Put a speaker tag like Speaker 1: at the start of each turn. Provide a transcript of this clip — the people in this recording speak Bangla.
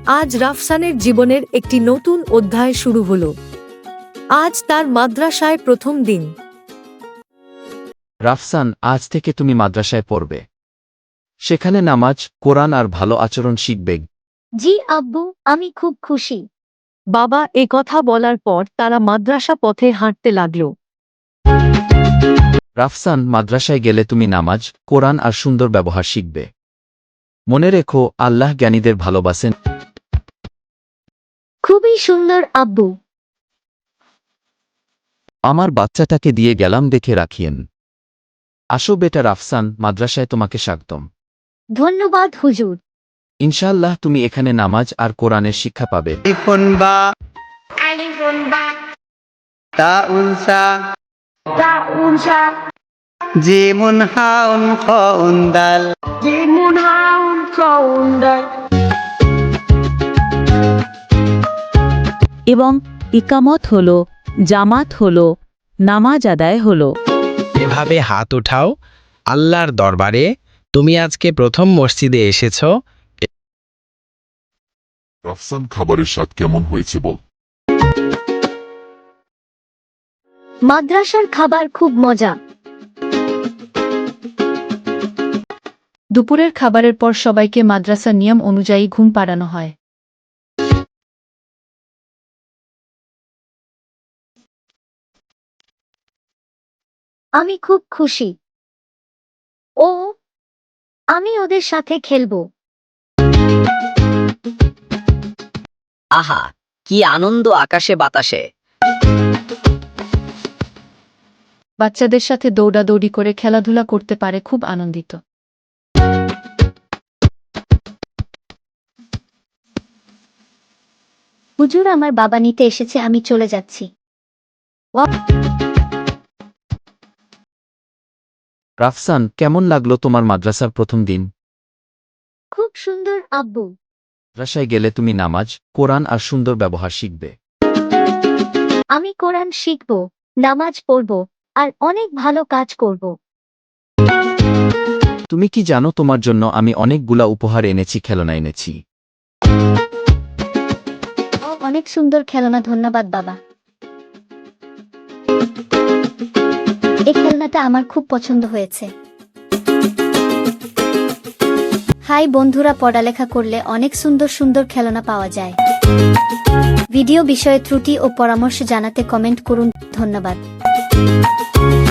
Speaker 1: আজ রাফসানের জীবনের একটি নতুন অধ্যায় শুরু হলো। আজ তার মাদ্রাসায় প্রথম দিন।
Speaker 2: রাফসান, আজ থেকে তুমি মাদ্রাসায় পড়বে। সেখানে নামাজ, কোরআন আর ভালো আচরণ শিখবে।
Speaker 3: জি আব্বু, আমি খুব খুশি।
Speaker 1: বাবা কথা বলার পর তারা মাদ্রাসা পথে হাঁটতে লাগল।
Speaker 2: রাফসান, মাদ্রাসায় গেলে তুমি নামাজ, কোরআন আর সুন্দর ব্যবহার শিখবে। মনে রেখো, আল্লাহ জ্ঞানীদের ভালোবাসেন।
Speaker 3: খুবই সুন্দর আব্বু।
Speaker 2: আমার বাচ্চাটাকে দিয়ে গেলাম, দেখে রাখিয়েন। আসো বেটা রাফসান, মাদ্রাসায় তোমাকে স্বাগতম।
Speaker 3: ধন্যবাদ হুজুর।
Speaker 2: ইনশাআল্লাহ তুমি এখানে নামাজ আর কোরআনের শিক্ষা পাবে।
Speaker 4: জিমুন হাউন খাউন দাল।
Speaker 5: এবং ইকামত হলো, জামাত হলো, নামাজ আদায় হলো।
Speaker 6: এভাবে হাত উঠাও আল্লাহর দরবারে। তুমি আজকে প্রথম মসজিদে এসেছো।
Speaker 7: রাফসান, খাবারের স্বাদ কেমন হয়েছে বল?
Speaker 3: মাদ্রাসার খাবার খুব মজা।
Speaker 8: দুপুরের খাবারের পর সবাইকে মাদ্রাসার নিয়ম অনুযায়ী ঘুম পাড়ানো হয়।
Speaker 3: আমি খুব খুশি। আমি ওদের সাথে খেলবো।
Speaker 9: আহা, কি আনন্দ আকাশে বাতাসে।
Speaker 8: বাচ্চাদের সাথে দৌড়াদৌড়ি করে খেলাধুলা করতে পারে, খুব আনন্দিত।
Speaker 3: হুজুর, আমার বাবা নিতে এসেছে, আমি চলে যাচ্ছি।
Speaker 2: রাফসান, কেমন লাগলো তোমার মাদ্রাসার প্রথম দিন?
Speaker 3: খুব সুন্দর আব্বু।
Speaker 2: মাদ্রাসায় গেলে তুমি নামাজ, কোরআন আর সুন্দর ব্যবহার শিখবে।
Speaker 3: আমি কোরআন শিখব, নামাজ পড়ব আর অনেক ভালো কাজ করব।
Speaker 2: তুমি কি জানো, তোমার জন্য আমি অনেকগুলা উপহার এনেছি, খেলনা এনেছি।
Speaker 3: অনেক সুন্দর খেলনা, ধন্যবাদ বাবা। এই খেলনাটা আমার খুব পছন্দ হয়েছে। হাই বন্ধুরা, পড়ালেখা করলে অনেক সুন্দর সুন্দর খেলনা পাওয়া যায়। ভিডিও বিষয়ে ত্রুটি ও পরামর্শ জানাতে কমেন্ট করুন। ধন্যবাদ।